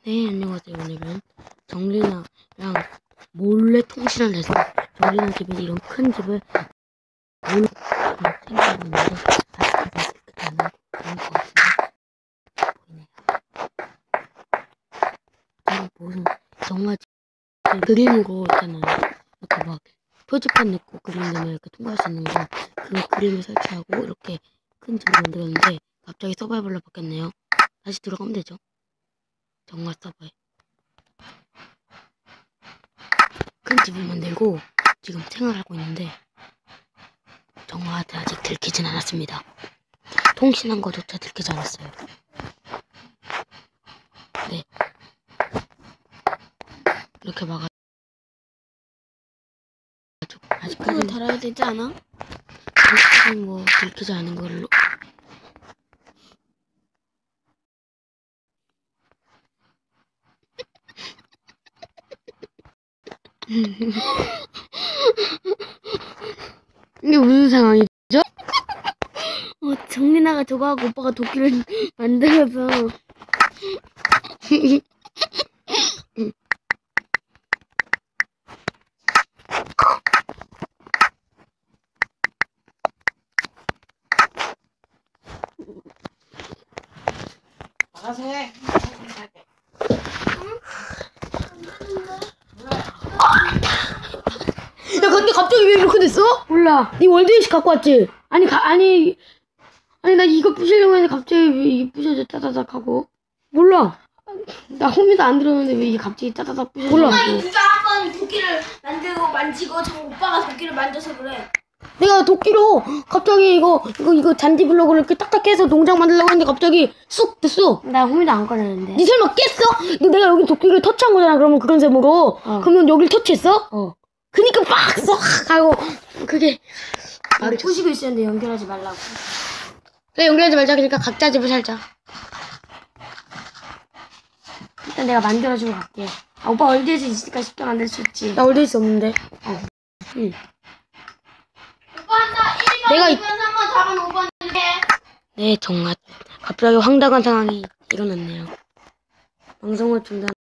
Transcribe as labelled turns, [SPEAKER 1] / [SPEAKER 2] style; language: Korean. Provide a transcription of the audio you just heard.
[SPEAKER 1] 네, 안녕하세요. 오늘은 정리나랑 몰래 통신을 해서 정리나 집에 이런 큰 집을 몰래 생겨났는데 아직까지 그렇게 안 하고 그런 것 같은데 보이네요. 이거 무슨 정말 그림으로 있잖아요. 이렇게 막 표지판 넣고 그림 넣으면 이렇게 통과할 수 있는 거, 그 그림을 설치하고 이렇게 큰 집을 만들었는데 갑자기 서바이벌로 바뀌었네요. 다시 들어가면 되죠. 정말 서바이. 큰 집을 만들고 지금 생활하고 있는데 정화한테 아직 들키진 않았습니다. 통신한 거조차 들키지 않았어요. 네, 이렇게 막아가지고 아직까지
[SPEAKER 2] 달아야 되지 않아?
[SPEAKER 1] 아직까지 뭐 들키지 않은 걸로. 이게 무슨 상황이죠?
[SPEAKER 2] 정민아가 저거 하고 오빠가 도끼를 만들어서
[SPEAKER 3] 알아서 해.
[SPEAKER 2] 야 근데 갑자기 왜 이렇게 됐어?
[SPEAKER 1] 몰라.
[SPEAKER 2] 네 월드에이시 갖고 왔지? 아니 나 이거 부시려고 했는데 갑자기 왜 이게 부셔져 따다닥 하고
[SPEAKER 1] 몰라.
[SPEAKER 2] 나 홈이도 안 들었는데 왜 이게 갑자기 따다닥 부셔져
[SPEAKER 1] 몰라.
[SPEAKER 4] 누가 한번 도끼를 만들고 만지고 저 오빠가 도끼를 만져서 그래.
[SPEAKER 2] 내가 도끼로 갑자기 이거 잔디 블록을 이렇게 딱딱 깨서 농장 만들려고 했는데 갑자기 쑥 됐어.
[SPEAKER 1] 나 홈이도 안 꺼냈는데.
[SPEAKER 2] 니 설마 깼어? 내가 여기 도끼를 터치한 거잖아. 그러면 그런 셈으로. 그러면 여기를 터치했어? 그니까 빡 쏙 하고 그게
[SPEAKER 1] 여기
[SPEAKER 2] 부시고 있었는데 연결하지 말라고. 그래 연결하지 말자. 그러니까 각자 집을 살자. 일단 내가 만들어주고 갈게. 아, 오빠 월드에이시 있으니까 쉽게 만들 수 있지. 나 월드에이시 없는데. 응.
[SPEAKER 4] 오빠 한다. 1번,
[SPEAKER 2] 내가
[SPEAKER 4] 2번, 3번, 4번, 5번 해.
[SPEAKER 1] 네, 정말 갑자기 황당한 상황이 일어났네요. 방송을 중단.